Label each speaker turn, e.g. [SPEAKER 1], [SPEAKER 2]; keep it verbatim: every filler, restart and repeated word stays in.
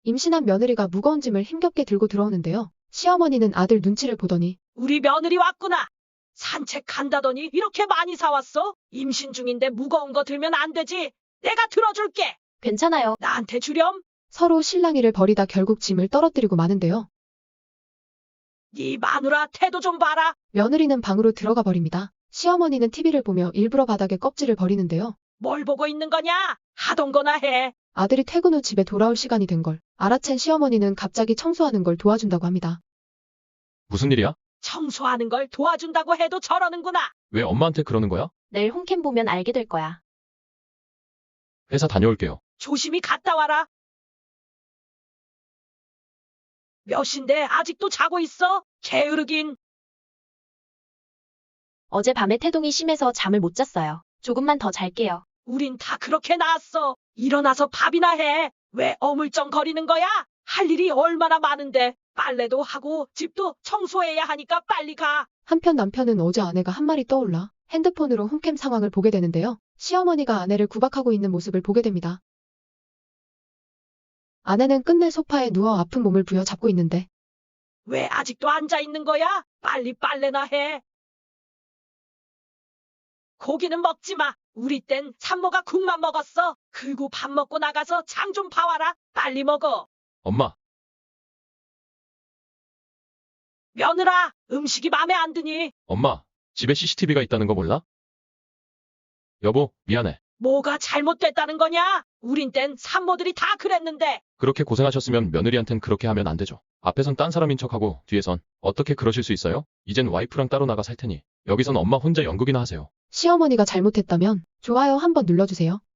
[SPEAKER 1] 임신한 며느리가 무거운 짐을 힘겹게 들고 들어오는데요. 시어머니는 아들 눈치를 보더니
[SPEAKER 2] 우리 며느리 왔구나. 산책 간다더니 이렇게 많이 사왔어? 임신 중인데 무거운 거 들면 안 되지. 내가 들어줄게.
[SPEAKER 3] 괜찮아요.
[SPEAKER 2] 나한테 주렴.
[SPEAKER 1] 서로 실랑이를 벌이다 결국 짐을 떨어뜨리고 마는데요.
[SPEAKER 2] 네 마누라 태도 좀 봐라.
[SPEAKER 1] 며느리는 방으로 들어가 버립니다. 시어머니는 티비를 보며 일부러 바닥에 껍질을 버리는데요.
[SPEAKER 2] 뭘 보고 있는 거냐? 하던 거나 해.
[SPEAKER 1] 아들이 퇴근 후 집에 돌아올 시간이 된 걸 알아챈 시어머니는 갑자기 청소하는 걸 도와준다고 합니다.
[SPEAKER 4] 무슨 일이야?
[SPEAKER 2] 청소하는 걸 도와준다고 해도 저러는구나.
[SPEAKER 4] 왜 엄마한테 그러는 거야?
[SPEAKER 3] 내일 홈캠 보면 알게 될 거야.
[SPEAKER 4] 회사 다녀올게요.
[SPEAKER 2] 조심히 갔다 와라. 몇 시인데 아직도 자고 있어? 게으르긴.
[SPEAKER 3] 어젯밤에 태동이 심해서 잠을 못 잤어요. 조금만 더 잘게요.
[SPEAKER 2] 우린 다 그렇게 나왔어. 일어나서 밥이나 해. 왜 어물쩡거리는 거야? 할 일이 얼마나 많은데. 빨래도 하고 집도 청소해야 하니까 빨리 가.
[SPEAKER 1] 한편 남편은 어제 아내가 한 말이 떠올라 핸드폰으로 홈캠 상황을 보게 되는데요. 시어머니가 아내를 구박하고 있는 모습을 보게 됩니다. 아내는 끝내 소파에 누워 아픈 몸을 부여잡고 있는데
[SPEAKER 2] 왜 아직도 앉아 있는 거야? 빨리 빨래나 해. 고기는 먹지 마. 우리 땐 산모가 국만 먹었어. 그리고 밥 먹고 나가서 장 좀 봐와라. 빨리 먹어.
[SPEAKER 4] 엄마,
[SPEAKER 2] 며느라, 음식이 맘에 안 드니?
[SPEAKER 4] 엄마, 집에 씨씨티비가 있다는 거 몰라? 여보, 미안해.
[SPEAKER 2] 뭐가 잘못됐다는 거냐? 우린 땐 산모들이 다 그랬는데.
[SPEAKER 4] 그렇게 고생하셨으면 며느리한텐 그렇게 하면 안 되죠. 앞에선 딴 사람인 척하고 뒤에선 어떻게 그러실 수 있어요? 이젠 와이프랑 따로 나가 살 테니 여기선 엄마 혼자 연극이나 하세요.
[SPEAKER 1] 시어머니가 잘못했다면 좋아요 한번 눌러주세요.